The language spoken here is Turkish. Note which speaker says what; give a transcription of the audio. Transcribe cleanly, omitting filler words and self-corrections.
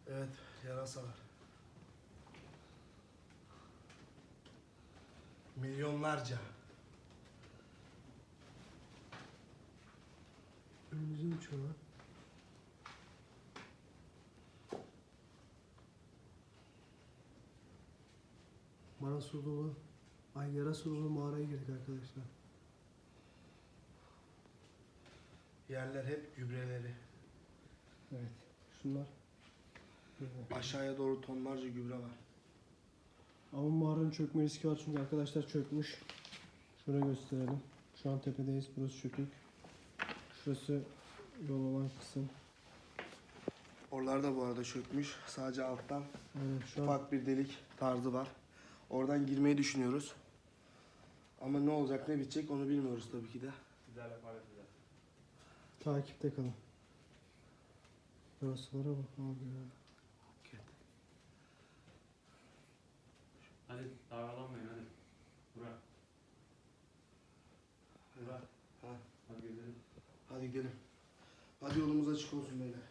Speaker 1: Evet, yarasa var. Milyonlarca.
Speaker 2: Önümüze uçuyor lan. Yarasa dolu mağaraya girdik arkadaşlar.
Speaker 1: Yerler hep gübreleri.
Speaker 2: Evet. Şunlar.
Speaker 1: Aşağıya doğru tonlarca gübre var.
Speaker 2: Ama mağaranın çökme riski var çünkü arkadaşlar çökmüş. Şöyle gösterelim. Şu an tepedeyiz. Burası çökük. Şurası yol olan kısım.
Speaker 1: Oralar da bu arada çökmüş. Sadece alttan
Speaker 2: Aynen şu an
Speaker 1: ufak bir delik tarzı var. Oradan girmeyi düşünüyoruz. Ama ne olacak ne bitecek onu bilmiyoruz tabii ki de.
Speaker 3: Güzel yaparız güzel.
Speaker 2: takipte kalın. Yarasılara bak abi ya.
Speaker 3: Hadi dağlanmayın hadi. Burak. Burak.
Speaker 1: Ha.
Speaker 3: Hadi gidelim.
Speaker 1: Hadi gidelim. Hadi yolumuz açık olsun beyler.